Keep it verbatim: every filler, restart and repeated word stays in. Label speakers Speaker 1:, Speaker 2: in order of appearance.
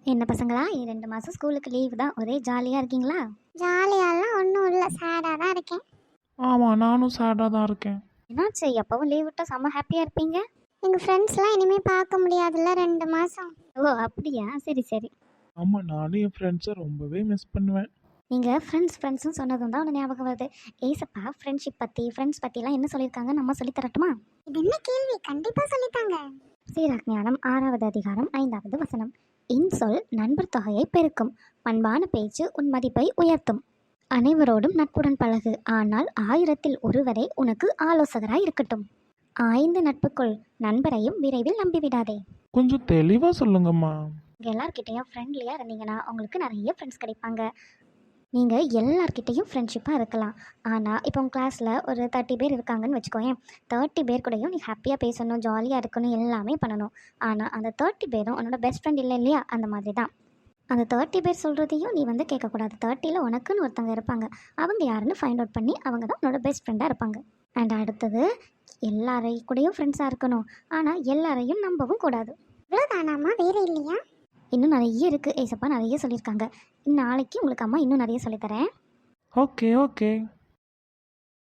Speaker 1: என்ன பசங்களா ரெண்டு மாதம் ஸ்கூலுக்கு லீவு தான், ஒரே ஜாலியாக இருக்கீங்களா?
Speaker 2: ஜாலியாலாம் ஒன்றும் இல்லை, சேடாக தான் இருக்கேன்.
Speaker 3: ஆமாம், நானும் சேடாக தான் இருக்கேன்.
Speaker 1: என்னாச்சு? எப்பவும் லீவ் விட்டால் செம்ம ஹாப்பியாக இருப்பீங்க.
Speaker 2: எங்கள் ஃப்ரெண்ட்ஸ்லாம் இனிமேல் பார்க்க முடியாதுல்ல ரெண்டு மாதம்.
Speaker 1: ஓ அப்படியா, சரி சரி.
Speaker 3: ஆமாம், நானும் என் ஃப்ரெண்ட்ஸை ரொம்பவே மிஸ் பண்ணுவேன்.
Speaker 1: நீங்கள் ஃப்ரெண்ட்ஸ் ஃப்ரெண்ட்ஸ்னு சொன்னதும் தான் ஒன்று ஞாபகம் வருது. ஏசப்பா ஃப்ரெண்ட்ஷிப் பற்றி ஃப்ரெண்ட்ஸ் பற்றிலாம் என்ன சொல்லியிருக்காங்க, நம்ம சொல்லி தரட்டுமா?
Speaker 2: இது என்ன கேள்வி? கண்டிப்பாக சொல்லித்தாங்க.
Speaker 1: சீராக்ஞானம் ஆறாவது அதிகாரம் ஐந்தாவது வசனம். இன்சொல் நண்பர் தொகையை பெருக்கும், பண்பான பேச்சு உன் மதிப்பை உயர்த்தும். அனைவரோடும் நட்புடன் பழகு, ஆனால் ஆயிரத்தில் ஒருவரே உனக்கு ஆலோசகராய் இருக்கட்டும். ஆய்ந்து நட்புக்குள், நண்பரையும் விரைவில் நம்பிவிடாதே.
Speaker 3: கொஞ்சம் தெளிவாக சொல்லுங்கம்மா.
Speaker 1: நீங்கள் எல்லார்கிட்டையும் ஃப்ரெண்ட்லியாக இருந்தீங்கன்னா உங்களுக்கு நிறைய ஃப்ரெண்ட்ஸ் கிடைப்பாங்க. நீங்கள் எல்லார்கிட்டையும் ஃப்ரெண்ட்ஷிப்பாக இருக்கலாம். ஆனால் இப்போ உங்கள் கிளாஸில் ஒரு தேர்ட்டி பேர் இருக்காங்கன்னு வச்சுக்கோயேன். தேர்ட்டி பேர் கூடயும் நீ ஹாப்பியாக பேசணும், ஜாலியாக இருக்கணும், எல்லாமே பண்ணணும். ஆனால் அந்த தேர்ட்டி பேரும் உன்னோட பெஸ்ட் ஃப்ரெண்ட் இல்லை இல்லையா? அந்த மாதிரி தான். அந்த தேர்ட்டி பேர் சொல்கிறதையும் நீ வந்து கேட்கக்கூடாது. தேர்ட்டியில் உனக்குன்னு ஒருத்தங்க இருப்பாங்க, அவங்க யாருன்னு ஃபைண்ட் அவுட் பண்ணி அவங்க தான் உன்னோட பெஸ்ட் ஃப்ரெண்டாக இருப்பாங்க. அண்ட் அடுத்தது, எல்லாரையும் கூடயும் ஃப்ரெண்ட்ஸாக இருக்கணும், ஆனால் எல்லாரையும் நம்பவும் கூடாது.
Speaker 2: இவ்வளோதானாம்மா, வேறு இல்லையா?
Speaker 1: இன்னும் நிறைய இருக்குது, ஏசப்பா நிறைய சொல்லியிருக்காங்க. நாளைக்கு உங்களுக்கு அம்மா இன்னும் நிறைய சொல்லித்தரேன்.
Speaker 3: Okay okay